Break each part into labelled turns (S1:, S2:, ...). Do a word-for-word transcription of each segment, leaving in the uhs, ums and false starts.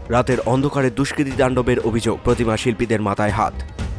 S1: রাতের অন্ধকারে দুষ্কৃতী তাণ্ডবের অভিযোগ, প্রতিমা শিল্পীদের মাথায় হাত।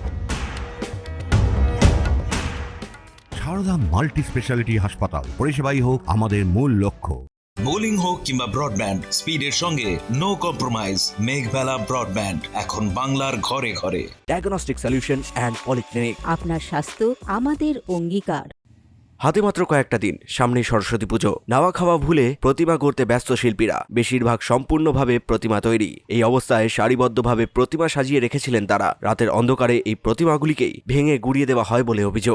S2: সারদা মাল্টি স্পেশালিটি হাসপাতাল, পরিষেবাই হোক আমাদের মূল লক্ষ্য।
S3: বোলিং হোক কিংবা ব্রডব্যান্ড, স্পিডের সঙ্গে নো কম্প্রোমাইজ। মেঘবেলা ব্রডব্যান্ড এখন বাংলার ঘরে ঘরে।
S1: Diagnostic solution and polyclinic.
S4: আপনার স্বাস্থ্য আমাদের অঙ্গীকার।
S1: হাতে মাত্র কয়েকটা দিন, সামনেই সরস্বতী পুজো। নাওয়া খাওয়া ভুলে প্রতিমা গড়তে ব্যস্ত শিল্পীরা, বেশিরভাগ সম্পূর্ণভাবে প্রতিমা তৈরি। এই অবস্থায় সারিবদ্ধভাবে প্রতিমা সাজিয়ে রেখেছিলেন তারা। রাতের অন্ধকারে এই প্রতিমাগুলিকেই ভেঙে গুড়িয়ে দেওয়া হয় বলে অভিযোগ।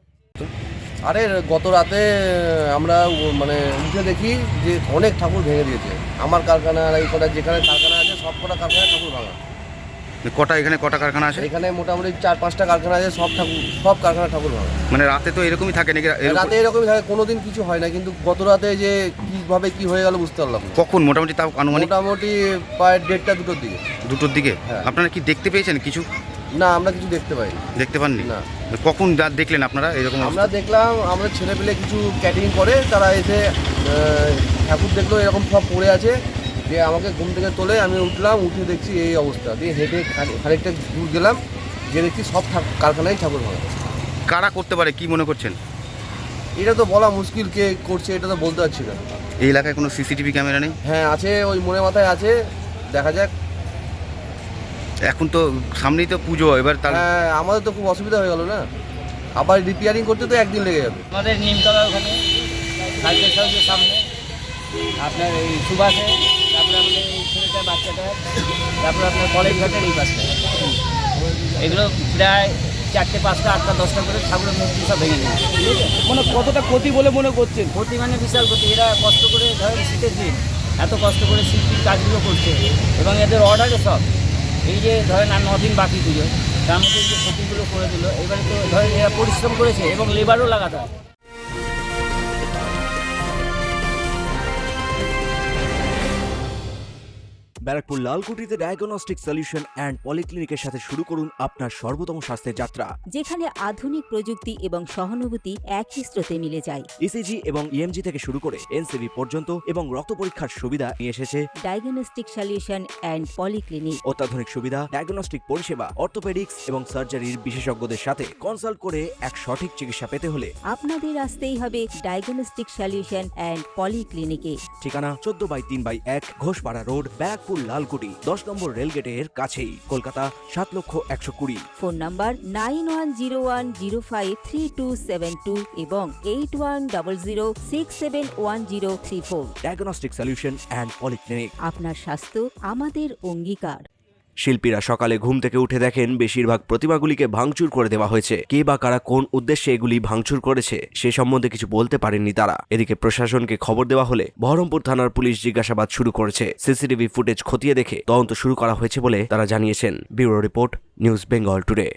S5: আরে গত রাতে আমরা মানে উঠে দেখি যে অনেক ঠাকুর ভেঙে দিয়েছে। আমার কারখানা আর এই কটা যেখানে কারখানা আছে সব কটা কারখানায় ঠাকুর ভাঙা।
S6: কটা এখানে কটা কারখানা আছে?
S5: এখানে মোটামুটি চার পাঁচটা কারখানা আছে, সব ঠাকুর সব কারখানা ঠাকুর ভাঙা।
S6: মানে রাতে তো এরকমই থাকে নাকি?
S5: রাতে এরকমই থাকে, কোনোদিন কিছু হয় না, কিন্তু গত রাতে যে কিভাবে কি হয়ে গেল বুঝতে পারলাম না।
S6: কখন মোটামুটি তাও আনুমানিক?
S5: মোটামুটি প্রায় দেড়টা দুটোর দিকে।
S6: দুটোর দিকে?
S5: হ্যাঁ।
S6: আপনারা কি দেখতে পেয়েছেন কিছু?
S5: না, আমরা কিছু দেখতে পাইনি।
S6: দেখতে পাননি?
S5: না।
S6: কখন রাত দেখলেন আপনারা এরকম?
S5: আমরা দেখলাম, আমরা ছেলে পেলে কিছু ক্যাটারিং করে তারা এসে আহ, ঠাকুর দেখলো এরকম সব পড়ে আছে, যে আমাকে ঘুম থেকে তোলে। আমি উঠলাম, উঠে দেখছি এই অবস্থা। দিয়ে হেঁটে খানিকটা দূর গেলাম, যে দেখছি সব কারখানায় ঠাকুর ভাঙা।
S6: কারা করতে পারে কি মনে করছেন?
S5: এটা তো বলা মুশকিল, কে করছে এটা তো বলতে পারছি না।
S6: এই এলাকায় কোনো সিসিটিভি ক্যামেরা নেই?
S5: হ্যাঁ আছে, ওই মনে মাথায় আছে, দেখা যাক।
S6: এখন তো সামনেই তো পুজো, এবার তার
S5: হ্যাঁ, আমাদের তো খুব অসুবিধা হয়ে গেল না, আবার রিপেয়ারিং করতে তো একদিন লেগে যাবে।
S7: আমাদের নিমতলা ওখানে সাইকেল সাউজের সামনে আপনার এই সুভাষে, তারপরে আমাদের এই ছেলেটার বাচ্চাটা, তারপরে আপনার কলেজ ঘাটের এই পাশটা, এগুলো প্রায় চারটে পাঁচটা আটটা দশটা করে ঠাকুরের মূর্তি সব ভেঙে নিয়েছে। ঠিক আছে,
S8: মানে কতটা ক্ষতি বলে মনে করছেন?
S7: ক্ষতি মানে বিশাল ক্ষতি। এরা কষ্ট করে ধরেন শীতের দিন এত কষ্ট করে শিল্পীর কাজগুলো করছে, এবং এদের অর্ডারে সব এই যে ধরেন আর নদিন বাকি পুজো, তার মধ্যে যে ক্ষতিগুলো করে দিল। এবারে তো ধরেন এরা পরিশ্রম করেছে এবং লেবারও লাগাতে হয়।
S1: ব্যারাকপুর লালকুটিতে ডায়াগনস্টিক সলিউশন অ্যান্ড পলিক্লিনিকের সাথে শুরু করুন আপনার সর্বোত্তম স্বাস্থ্যের যাত্রা,
S4: যেখানে আধুনিক প্রযুক্তি এবং সহানুভূতি একই স্রোতে মিলে যায়।
S1: ইসিজি এবং ইএমজি থেকে শুরু করে এনসিবি পর্যন্ত এবং রক্ত পরীক্ষার সুবিধা নিয়ে এসেছে
S4: ডায়াগনস্টিক সলিউশন অ্যান্ড পলিক্লিনিক।
S1: অত্যাধুনিক সুবিধা, ডায়াগনস্টিক পরিষেবা, অর্থোপেডিক্স এবং সার্জারির বিশেষজ্ঞদের সাথে কনসাল্ট করে এক সঠিক চিকিৎসা পেতে হলে
S4: আপনাদের আসতেই হবে ডায়াগনস্টিক সলিউশন অ্যান্ড পলিক্লিনিকে।
S1: ঠিকানা চোদ্দ বাই তিন বাই এক ঘোষপাড়া রোড, ব্যারাকপুর লালকুটি, দশ নম্বর রেলগেটের কাছেই, কলকাতা সাত লক্ষ একশো কুড়ি।
S4: Phone number nine one zero one zero five three two seven two এবং eight one double zero six seven one zero three four.
S1: Diagnostic solution and polyclinic.
S4: আপনার স্বাস্থ্য আমাদের অঙ্গীকার।
S1: শিল্পীরা সকালে ঘুম থেকে উঠে দেখেন বেশিরভাগ প্রতিমাগুলিকে ভাঙচুর করে দেওয়া হয়েছে। কে বা কারা কোন উদ্দেশ্যে এগুলি ভাঙচুর করেছে সে সম্বন্ধে কিছু বলতে পারেননি তারা। এদিকে প্রশাসনকে খবর দেওয়া হলে বহরমপুর থানার পুলিশ জিজ্ঞাসাবাদ শুরু করেছে। সিসিটিভি ফুটেজ খতিয়ে দেখে তদন্ত শুরু করা হয়েছে বলে তারা জানিয়েছেন। Bureau report, news Bengal today.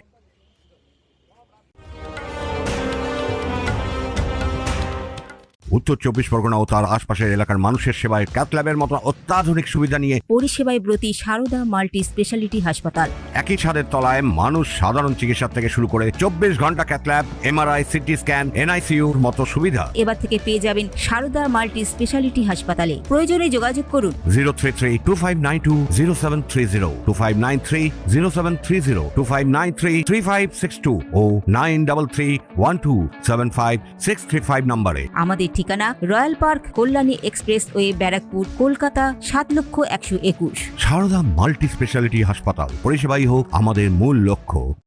S2: উত্তর চব্বিশ পরগনা ও তার আশপাশের এলাকার মানুষের সেবায় ক্যাথল্যাবের মতো অত্যাধুনিক সুবিধা নিয়ে
S4: পরিষেবায় ব্রতী সারদা মাল্টি স্পেশালিটি হাসপাতাল।
S2: একই ছাদের তলায় মানুষ সাধারণ চিকিৎসা থেকে শুরু করে চব্বিশ ঘন্টা ক্যাথল্যাব, এমআরআই, সিটি স্ক্যান, এনআইসিউর মতো সুবিধা
S4: এবার থেকে পেয়ে যাবেন সারদা মাল্টি স্পেশালিটি হাসপাতালে। প্রয়োজনে যোগাযোগ করুন
S2: zero three three two five nine two zero seven three zero, two five nine three zero seven three zero, two five nine three three five six two ও nine double three one two seven five six three five নম্বরে।
S4: আমাদের ঠিকানা royal park, Kalyani expressway, Barrackpore, Kolkata সাত লক্ষ একশো একুশ।
S2: Sarada multi speciality হাসপাতাল, পরিষেবাই হোক আমাদের মূল লক্ষ্য।